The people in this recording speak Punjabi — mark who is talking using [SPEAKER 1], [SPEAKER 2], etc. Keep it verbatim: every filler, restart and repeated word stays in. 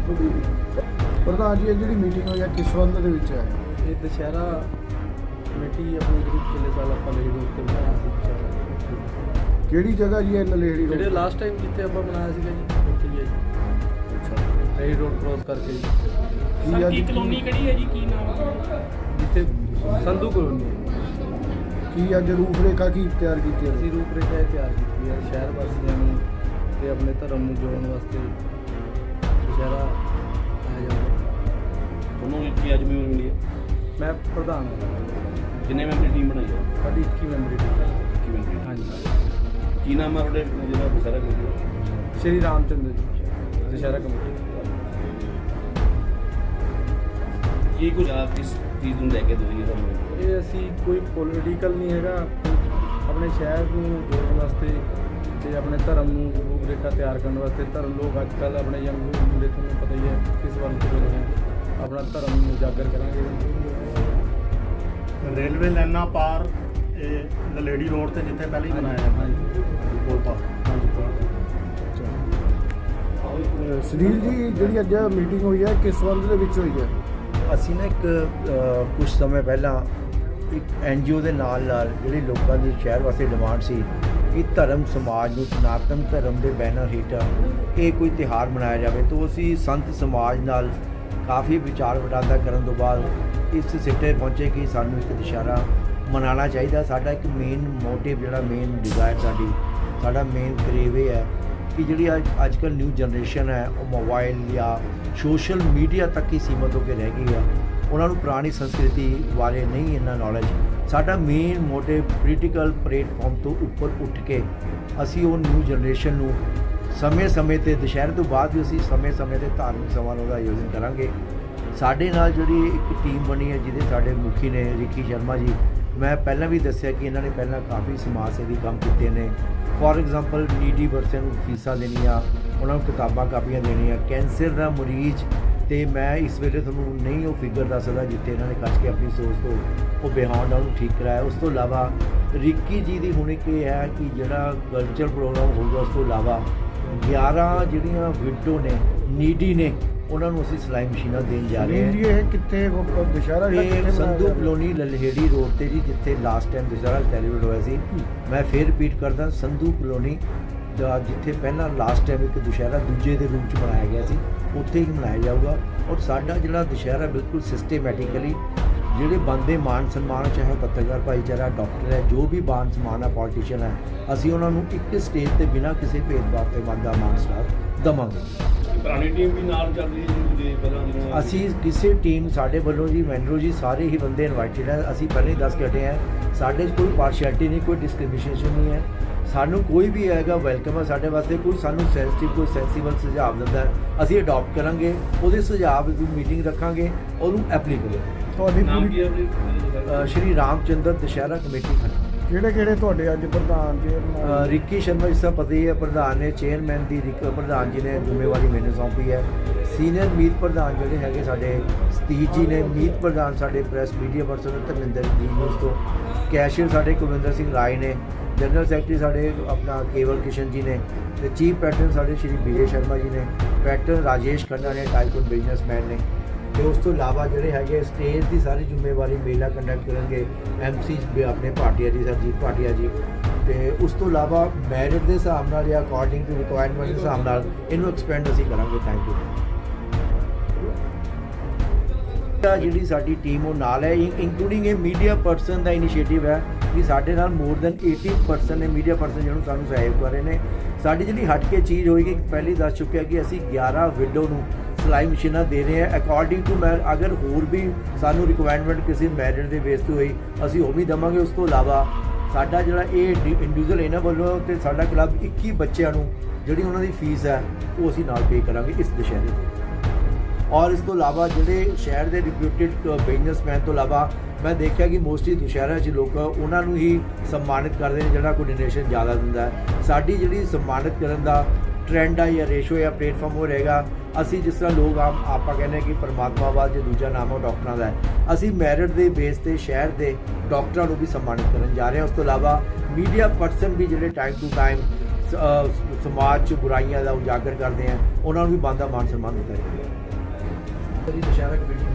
[SPEAKER 1] ਪ੍ਰਧਾਨ ਜੀ, ਇਹ ਜਿਹੜੀ ਮੀਟਿੰਗ ਹੋਈ ਹੈ ਕਿਸ ਸੰਬੰਧ ਦੇ ਵਿੱਚ ਹੈ?
[SPEAKER 2] ਇਹ ਦੁਸ਼ਹਿਰਾ ਕਮੇਟੀ ਆਪਣੀ ਜਿਹੜੀ ਪਿਛਲੇ ਸਾਲ ਆਪਾਂ ਲੇਡੀ ਰੋਡ ਤੇ ਬਣਾਇਆ ਸੀ ਦੁਸ਼ਹਿਰਾ।
[SPEAKER 1] ਕਿਹੜੀ ਜਗ੍ਹਾ ਜੀ ਇਹ ਨਲੇੜੀ ਰੋਡ?
[SPEAKER 2] ਜਿਹੜੇ ਲਾਸਟ ਟਾਈਮ ਜਿੱਥੇ ਆਪਾਂ ਬਣਾਇਆ ਸੀਗਾ ਜੀ, ਉੱਥੇ ਹੀ ਹੈ ਜੀ।
[SPEAKER 1] ਅੱਛਾ,
[SPEAKER 2] ਲੇਡੀ ਰੋਡ ਕ੍ਰੋਸ ਕਰਕੇ ਜੀ।
[SPEAKER 1] ਕੀ
[SPEAKER 3] ਸਰ
[SPEAKER 1] ਅੱਜ
[SPEAKER 3] ਕੀ ਕਲੋਨੀ ਕਿਹੜੀ ਹੈ ਜੀ, ਕੀ ਨਾਮ ਹੈ?
[SPEAKER 2] ਜਿੱਥੇ ਸੰਧੂ ਕਲੋਨੀ
[SPEAKER 1] ਕੀ ਅੱਜ ਰੂਪਰੇਖਾ ਕੀ ਤਿਆਰ ਕੀਤੀ ਹੈ?
[SPEAKER 2] ਅਸੀਂ ਰੂਪਰੇਖਾ ਇਹ ਤਿਆਰ ਕੀਤੀ ਹੈ ਸ਼ਹਿਰ ਵਾਸੀਆਂ ਨੂੰ ਤੇ ਆਪਣੇ ਧਰਮ ਨੂੰ ਜੋੜਨ ਵਾਸਤੇ ਦੁਸ਼ਹਿਰਾ ਆਇਆ ਜਾਂਦਾ।
[SPEAKER 4] ਤੁਹਾਨੂੰ ਕੀ ਅੱਜ ਮੈਨੂੰ ਮਿਲੀ ਹੈ?
[SPEAKER 2] ਮੈਂ ਪ੍ਰਧਾਨ ਹਾਂ।
[SPEAKER 4] ਕਿੰਨੇ ਮੈਂਬਰੀ ਟੀਮ ਬਣਾਈ ਹੈ?
[SPEAKER 2] ਸਾਡੀ ਇੱਕੀ ਮੈਂਬਰੀ ਟੀਮ ਹੈ।
[SPEAKER 4] ਕੀ ਮੈਂਬਰੀ?
[SPEAKER 2] ਹਾਂਜੀ।
[SPEAKER 4] ਕੀ ਨਾਮ ਹੈ ਤੁਹਾਡੇ ਜਿਹੜਾ ਦੁਸਹਿਰਾ ਕਮੇਟੀ ਦਾ?
[SPEAKER 2] ਸ਼੍ਰੀ ਰਾਮ ਚੰਦਰ ਜੀ ਦੁਸ਼ਹਿਰਾ ਕਮੇਟੀ।
[SPEAKER 4] ਕੀ ਕੁਝ ਆਪ ਇਸ ਚੀਜ਼ ਨੂੰ ਲੈ ਕੇ ਦੋਈ ਤੁਹਾਨੂੰ?
[SPEAKER 2] ਇਹ ਅਸੀਂ ਕੋਈ ਪੋਲੀਟੀਕਲ ਨਹੀਂ ਹੈਗਾ, ਆਪਣੇ ਸ਼ਹਿਰ ਨੂੰ ਜੋੜਨ ਵਾਸਤੇ ਤੇ ਆਪਣੇ ਧਰਮ ਨੂੰ ਰੂਪਰੇਖਾ ਤਿਆਰ ਕਰਨ ਵਾਸਤੇ। ਧਰਮ ਲੋਕ ਅੱਜ ਕੱਲ੍ਹ ਆਪਣੇ ਯੰਗ ਮੁੰਡੇ ਤੁਹਾਨੂੰ ਪਤਾ ਹੀ ਹੈ ਕਿਸ ਵੱਲ ਤੁਰੇ ਹੋਏ ਆ। ਆਪਣਾ ਧਰਮ ਨੂੰ ਉਜਾਗਰ ਕਰਾਂਗੇ।
[SPEAKER 5] ਰੇਲਵੇ ਲਾਈਨਾਂ ਪਾਰ ਇਹ ਨਲੇੜੀ ਰੋਡ ਤੇ ਜਿੱਥੇ ਪਹਿਲਾਂ ਹੀ ਬਣਾਇਆ ਜਾਂਦਾ
[SPEAKER 2] ਹਾਂਜੀ
[SPEAKER 5] ਪੁਲ ਪਾਰ।
[SPEAKER 2] ਹਾਂਜੀ
[SPEAKER 1] ਅਹ ਸੁਨੀਲ ਜੀ, ਜਿਹੜੀ ਅੱਜ ਮੀਟਿੰਗ ਹੋਈ ਹੈ ਕਿਸ ਸੰਬੰਧ ਦੇ ਵਿੱਚ ਹੋਈ ਹੈ?
[SPEAKER 6] ਅਸੀਂ ਨਾ ਇੱਕ ਕੁਝ ਸਮੇਂ ਪਹਿਲਾਂ ਇੱਕ ਐਨ ਜੀ ਓ ਦੇ ਨਾਲ ਨਾਲ ਜਿਹੜੀ ਲੋਕਾਂ ਦੀ ਸ਼ਹਿਰ ਵਾਸਤੇ ਡਿਮਾਂਡ ਸੀ ਕਿ ਧਰਮ ਸਮਾਜ ਨੂੰ ਸਨਾਤਨ ਧਰਮ ਦੇ ਬੈਨਰ ਹੇਠਾਂ ਇਹ ਕੋਈ ਤਿਉਹਾਰ ਮਨਾਇਆ ਜਾਵੇ, ਤਾਂ ਅਸੀਂ ਸੰਤ ਸਮਾਜ ਨਾਲ ਕਾਫੀ ਵਿਚਾਰ ਵਟਾਂਦਰਾ ਕਰਨ ਤੋਂ ਬਾਅਦ ਇਸ ਸਿੱਟੇ ਪਹੁੰਚੇ ਕਿ ਸਾਨੂੰ ਇੱਕ ਦੁਸ਼ਹਿਰਾ ਮਨਾਉਣਾ ਚਾਹੀਦਾ। ਸਾਡਾ ਇੱਕ ਮੇਨ ਮੋਟਿਵ ਜਿਹੜਾ ਮੇਨ ਡਿਜ਼ਾਇਰ ਸਾਡੀ ਸਾਡਾ ਮੇਨ ਕਰੇਵ ਇਹ ਹੈ ਕਿ ਜਿਹੜੀ ਅੱਜ ਅੱਜ ਕੱਲ੍ਹ ਨਿਊ ਜਨਰੇਸ਼ਨ ਹੈ ਉਹ ਮੋਬਾਈਲ ਜਾਂ ਸੋਸ਼ਲ ਮੀਡੀਆ ਤੱਕ ਹੀ ਸੀਮਤ ਹੋ ਕੇ ਰਹਿ ਗਈ ਹੈ। ਉਹਨਾਂ ਨੂੰ ਪੁਰਾਣੀ ਸੰਸਕ੍ਰਿਤੀ ਬਾਰੇ ਨਹੀਂ ਇੰਨਾ ਨੌਲੇਜ। ਸਾਡਾ ਮੇਨ ਮੋਟਿਵ ਪੋਲੀਟੀਕਲ ਪਲੇਟਫਾਰਮ ਤੋਂ ਉੱਪਰ ਉੱਠ ਕੇ ਅਸੀਂ ਉਹ ਨਿਊ ਜਨਰੇਸ਼ਨ ਨੂੰ ਸਮੇਂ-ਸਮੇਂ 'ਤੇ ਦੁਸ਼ਹਿਰੇ ਤੋਂ ਬਾਅਦ ਵੀ ਅਸੀਂ ਸਮੇਂ-ਸਮੇਂ 'ਤੇ ਧਾਰਮਿਕ ਸਮਾਰੋਹ ਦਾ ਆਯੋਜਨ ਕਰਾਂਗੇ। ਸਾਡੇ ਨਾਲ ਜਿਹੜੀ ਇੱਕ ਟੀਮ ਬਣੀ ਹੈ ਜਿਹਦੇ ਸਾਡੇ ਮੁਖੀ ਨੇ ਰਿੱਕੀ ਸ਼ਰਮਾ ਜੀ, ਮੈਂ ਪਹਿਲਾਂ ਵੀ ਦੱਸਿਆ ਕਿ ਇਹਨਾਂ ਨੇ ਪਹਿਲਾਂ ਕਾਫੀ ਸਮਾਜ ਸੇਵੀ ਕੰਮ ਕੀਤੇ ਨੇ। ਫੋਰ ਐਗਜ਼ਾਮਪਲ ਨੀਡੀ ਬੱਚਿਆਂ ਨੂੰ ਫੀਸਾਂ ਦੇਣੀਆਂ, ਉਹਨਾਂ ਨੂੰ ਕਿਤਾਬਾਂ ਕਾਪੀਆਂ ਦੇਣੀਆਂ। ਕੈਂਸਰ ਦਾ ਮਰੀਜ਼ ਤੇ ਮੈਂ ਇਸ ਵੇਲੇ ਤੁਹਾਨੂੰ ਨਹੀਂ ਉਹ ਫਿਗਰ ਦੱਸ ਸਕਦਾ ਜਿੱਥੇ ਇਹਨਾਂ ਨੇ ਕੱਢ ਕੇ ਆਪਣੀ ਸੋਚ ਤੋਂ ਉਹ ਬਿਹਾਉਂਡ ਉਹਨੂੰ ਠੀਕ ਕਰਾਇਆ। ਉਸ ਤੋਂ ਇਲਾਵਾ ਰਿੱਕੀ ਜੀ ਦੀ ਹੁਣ ਇੱਕ ਇਹ ਹੈ ਕਿ ਜਿਹੜਾ ਕਲਚਰ ਪ੍ਰੋਗਰਾਮ ਹੋਊਗਾ, ਉਸ ਤੋਂ ਇਲਾਵਾ ਗਿਆਰਾਂ ਜਿਹੜੀਆਂ ਵਿਡੋ ਨੇ ਨੀਡੀ ਨੇ ਉਹਨਾਂ ਨੂੰ ਅਸੀਂ ਸਿਲਾਈ ਮਸ਼ੀਨਾਂ ਦੇਣ ਜਾ ਰਹੇ ਹਾਂ।
[SPEAKER 1] ਜੀ ਇਹ ਕਿੱਥੇ ਦੁਸ਼ਹਿਰਾ ਜਿਹੜਾ
[SPEAKER 6] ਇਹ
[SPEAKER 1] ਕਿੱਥੇ
[SPEAKER 6] ਸੰਧੂ
[SPEAKER 1] ਮਨਾਇਆ
[SPEAKER 6] ਕਲੋਨੀ ਲਲਹੇੜੀ ਰੋਡ ਤੇ ਜੀ, ਜਿੱਥੇ ਲਾਸਟ ਟਾਈਮ ਦੁਸ਼ਹਿਰਾ ਸੈਲੀਬ੍ਰੇਟ ਹੋਇਆ ਸੀ। ਮੈਂ ਫਿਰ ਰਿਪੀਟ ਕਰਦਾ, ਸੰਧੂ ਕਲੋਨੀ ਦਾ ਜਿੱਥੇ ਪਹਿਲਾਂ ਲਾਸਟ ਟਾਈਮ ਇੱਕ ਦੁਸ਼ਹਿਰਾ ਦੂਜੇ ਦੇ ਰੂਪ 'ਚ ਮਨਾਇਆ ਗਿਆ ਸੀ, ਉੱਥੇ ਹੀ ਮਨਾਇਆ ਜਾਊਗਾ। ਔਰ ਸਾਡਾ ਜਿਹੜਾ ਦੁਸ਼ਹਿਰਾ ਬਿਲਕੁਲ ਸਿਸਟੇਮੈਟਿਕਲੀ ਜਿਹੜੇ ਬੰਦੇ ਮਾਨ ਸਨਮਾਨ, ਚਾਹੇ ਪੱਤਰਕਾਰ ਭਾਈਚਾਰਾ, ਡਾਕਟਰ ਹੈ, ਜੋ ਵੀ ਮਾਨ ਸਨਮਾਨ ਹੈ, ਪੋਲੀਟੀਸ਼ੀਅਨ ਹੈ, ਅਸੀਂ ਉਹਨਾਂ ਨੂੰ ਇੱਕ ਸਟੇਜ ਤੇ ਬਿਨਾਂ ਕਿਸੇ ਭੇਦਭਾਵ ਤੇ ਬੰਦਾ ਮਾਨ ਸਨਮਾਨ ਦੇਵਾਂਗੇ।
[SPEAKER 4] ਪੁਰਾਣੀ ਟੀਮ ਵੀ ਨਾਲ ਚੱਲ ਰਹੀ ਹੈ ਜੀ ਪਹਿਲਾਂ ਜਿਹਨਾਂ
[SPEAKER 6] ਅਸੀਂ ਕਿਸੇ ਟੀਮ ਸਾਡੇ ਵੱਲੋਂ ਜੀ ਮੈਨਰੋ ਜੀ ਸਾਰੇ ਹੀ ਬੰਦੇ ਇਨਵਾਈਟਡ ਹੈ। ਅਸੀਂ ਪਹਿਲਾਂ ਹੀ ਦੱਸ ਕੇ ਹਟੇ ਹਾਂ, ਸਾਡੇ 'ਚ ਕੋਈ ਪਾਰਸ਼ੈਲਿਟੀ ਨਹੀਂ, ਕੋਈ ਡਿਸਕ੍ਰਿਮੀਨੇਸ਼ਨ ਨਹੀਂ ਹੈ। ਸਾਨੂੰ ਕੋਈ ਵੀ ਆਏਗਾ ਵੈਲਕਮ ਹੈ ਸਾਡੇ ਵਾਸਤੇ। ਕੋਈ ਸਾਨੂੰ ਸੈਂਸਿਟਿਵ ਕੋਈ ਸੈਂਸੀਬਲ ਸੁਝਾਅ ਦਿੰਦਾ ਅਸੀਂ ਅਡਾਪਟ ਕਰਾਂਗੇ, ਉਹਦੇ ਸੁਝਾਅ ਦੀ ਮੀਟਿੰਗ ਰੱਖਾਂਗੇ, ਉਹਨੂੰ ਐਪਲੀਕੇਬਲ।
[SPEAKER 1] ਤੁਹਾਡੀ
[SPEAKER 4] ਨਾਮ
[SPEAKER 1] ਪੂਰੀ
[SPEAKER 4] ਕੀ ਹੈ?
[SPEAKER 6] ਸ਼੍ਰੀ ਰਾਮ ਚੰਦਰ ਦੁਸ਼ਹਿਰਾ ਕਮੇਟੀ ਖੰਨਾ।
[SPEAKER 1] ਕਿਹੜੇ ਕਿਹੜੇ ਤੁਹਾਡੇ ਅੱਜ ਪ੍ਰਧਾਨ ਜੀ?
[SPEAKER 6] ਅ, ਰਿੱਕੀ ਸ਼ਰਮਾ ਜਿਸ ਤਰ੍ਹਾਂ ਪਤਾ ਹੀ ਹੈ ਪ੍ਰਧਾਨ ਨੇ, ਚੇਅਰਮੈਨ ਦੀ ਰਿਕ ਪ੍ਰਧਾਨ ਜੀ ਨੇ ਜ਼ਿੰਮੇਵਾਰੀ ਮੈਨੂੰ ਸੌਂਪੀ ਹੈ। ਸੀਨੀਅਰ ਮੀਤ ਪ੍ਰਧਾਨ ਜਿਹੜੇ ਹੈਗੇ ਸਾਡੇ ਸਤੀਸ਼ ਜੀ ਨੇ, ਮੀਤ ਪ੍ਰਧਾਨ ਸਾਡੇ ਪ੍ਰੈਸ ਮੀਡੀਆ ਪਰਸਨ ਧਰਮਿੰਦਰ ਜੀ ਨਿਊਜ਼ ਤੋਂ, ਕੈਸ਼ੀਅਰ ਸਾਡੇ ਕੁਲਵਿੰਦਰ ਸਿੰਘ ਰਾਏ ਨੇ, ਜਨਰਲ ਸੈਕਟਰੀ ਸਾਡੇ ਆਪਣਾ ਕੇਵਲ ਕਿਸ਼ਨ ਜੀ ਨੇ, ਤੇ ਚੀਫ ਪੈਟਰਨ ਸਾਡੇ ਸ਼੍ਰੀ ਵਿਜੇ ਸ਼ਰਮਾ ਜੀ ਨੇ, ਪੈਟਰਨ ਰਾਜੇਸ਼ ਖੰਨਾ ਨੇ, ਟਾਈਕੂਨ ਬਿਜ਼ਨਸਮੈਨ ਨੇ। ਤੇ ਉਸ ਤੋਂ ਇਲਾਵਾ ਜਿਹੜੇ ਹੈਗੇ ਸਟੇਜ ਦੀ ਸਾਰੀ ਜ਼ਿੰਮੇਵਾਰੀ ਮੇਲਾ ਕੰਡਕਟ ਕਰਨਗੇ ਐਮ ਸੀ ਆਪਣੇ ਭਾਟੀਆ ਜੀ, ਸਰਜੀਤ ਭਾਟੀਆ ਜੀ। ਤੇ ਉਸ ਤੋਂ ਇਲਾਵਾ ਮੈਰਿਟ ਦੇ ਹਿਸਾਬ ਨਾਲ ਜਾਂ ਅਕੋਰਡਿੰਗ ਟੂ ਰਿਕੁਆਇਰਮੈਂਟ ਦੇ ਹਿਸਾਬ ਨਾਲ ਇਹਨੂੰ ਐਕਸਪੈਂਡ ਅਸੀਂ ਕਰਾਂਗੇ। Thank you. ਜਿਹੜੀ ਸਾਡੀ ਟੀਮ ਉਹ ਨਾਲ ਹੈ, ਇੰਕਲੂਡਿੰਗ ਇਹ ਮੀਡੀਆ ਪਰਸਨ ਦਾ ਇਨੀਸ਼ੀਏਟਿਵ ਹੈ ਕਿ ਸਾਡੇ ਨਾਲ ਮੋਰ ਦੈਨ eighty ਪਰਸਨ ਨੇ ਮੀਡੀਆ ਪਰਸਨ ਜਿਹਨੂੰ ਸਾਨੂੰ ਸਹਿਯੋਗ ਕਰ ਰਹੇ ਨੇ। ਸਾਡੀ ਜਿਹੜੀ ਹਟ ਕੇ ਚੀਜ਼ ਹੋਏਗੀ, ਪਹਿਲੀ ਦੱਸ ਚੁੱਕਿਆ ਕਿ ਅਸੀਂ ਗਿਆਰਾਂ ਵਿਡੋ ਨੂੰ ਸਿਲਾਈ ਮਸ਼ੀਨਾਂ ਦੇ ਰਹੇ ਹਾਂ ਅਕੋਰਡਿੰਗ ਟੂ ਮੈਂ ਅਗਰ ਹੋਰ ਵੀ ਸਾਨੂੰ ਰਿਕੁਆਇਰਮੈਂਟ ਕਿਸੇ ਮੈਰਿਟ ਦੇ ਬੇਸ 'ਤੇ ਹੋਈ ਅਸੀਂ ਉਹ ਵੀ ਦੇਵਾਂਗੇ। ਉਸ ਤੋਂ ਇਲਾਵਾ ਸਾਡਾ ਜਿਹੜਾ ਇਹ ਇੰਡੀਵਿਜੂਅਲ ਇਹਨਾਂ ਵੱਲੋਂ ਤੇ ਸਾਡਾ ਕਲੱਬ ਇੱਕੀ ਬੱਚਿਆਂ ਨੂੰ ਜਿਹੜੀ ਉਹਨਾਂ ਦੀ ਫੀਸ ਹੈ ਉਹ ਅਸੀਂ ਨਾਲ ਪੇ ਕਰਾਂਗੇ ਇਸ ਦੁਸ਼ਹਿਰੇ ਤੇ। ਔਰ ਇਸ ਤੋਂ ਇਲਾਵਾ ਜਿਹੜੇ ਸ਼ਹਿਰ ਦੇ ਰਿਪਿਊਟਿਡ ਬਿਜ਼ਨਸਮੈਨ ਤੋਂ ਇਲਾਵਾ ਮੈਂ ਦੇਖਿਆ ਕਿ ਮੋਸਟਲੀ ਦੁਸ਼ਹਿਰਾ 'ਚ ਲੋਕ ਉਹਨਾਂ ਨੂੰ ਹੀ ਸਨਮਾਨਿਤ ਕਰਦੇ ਨੇ ਜਿਹੜਾ ਕੋਈ ਡੋਨੇਸ਼ਨ ਜ਼ਿਆਦਾ ਦਿੰਦਾ ਹੈ। ਸਾਡੀ ਜਿਹੜੀ ਸਨਮਾਨਿਤ ਕਰਨ ਦਾ ਟ੍ਰੈਂਡ ਆ ਜਾਂ ਰੇਸ਼ੋ ਜਾਂ ਪਲੇਟਫਾਰਮ ਹੋ ਰਹੇਗਾ। ਅਸੀਂ ਜਿਸ ਤਰ੍ਹਾਂ ਲੋਕ ਆਮ ਆਪਾਂ ਕਹਿੰਦੇ ਕਿ ਪਰਮਾਤਮਾ ਬਾਅਦ ਜੇ ਦੂਜਾ ਨਾਮ ਉਹ ਡਾਕਟਰਾਂ ਦਾ ਹੈ, ਅਸੀਂ ਮੈਰਿਟ ਦੇ ਬੇਸ 'ਤੇ ਸ਼ਹਿਰ ਦੇ ਡਾਕਟਰਾਂ ਨੂੰ ਵੀ ਸਨਮਾਨਿਤ ਕਰਨ ਜਾ ਰਹੇ ਹਾਂ। ਉਸ ਤੋਂ ਇਲਾਵਾ ਮੀਡੀਆ ਪਰਸਨ ਵੀ ਜਿਹੜੇ ਟਾਈਮ ਟੂ ਟਾਈਮ ਸਮਾਜ 'ਚ ਬੁਰਾਈਆਂ ਦਾ ਉਜਾਗਰ ਕਰਦੇ ਆ ਉਹਨਾਂ ਨੂੰ ਵੀ ਬਣਦਾ ਮਾਨ ਸਨਮਾਨ ਦਿੱਤਾ ਜਾਏਗਾ। ਕਦੀ ਦੁਸ਼ਹਿਰਾ ਕਮੇਟੀ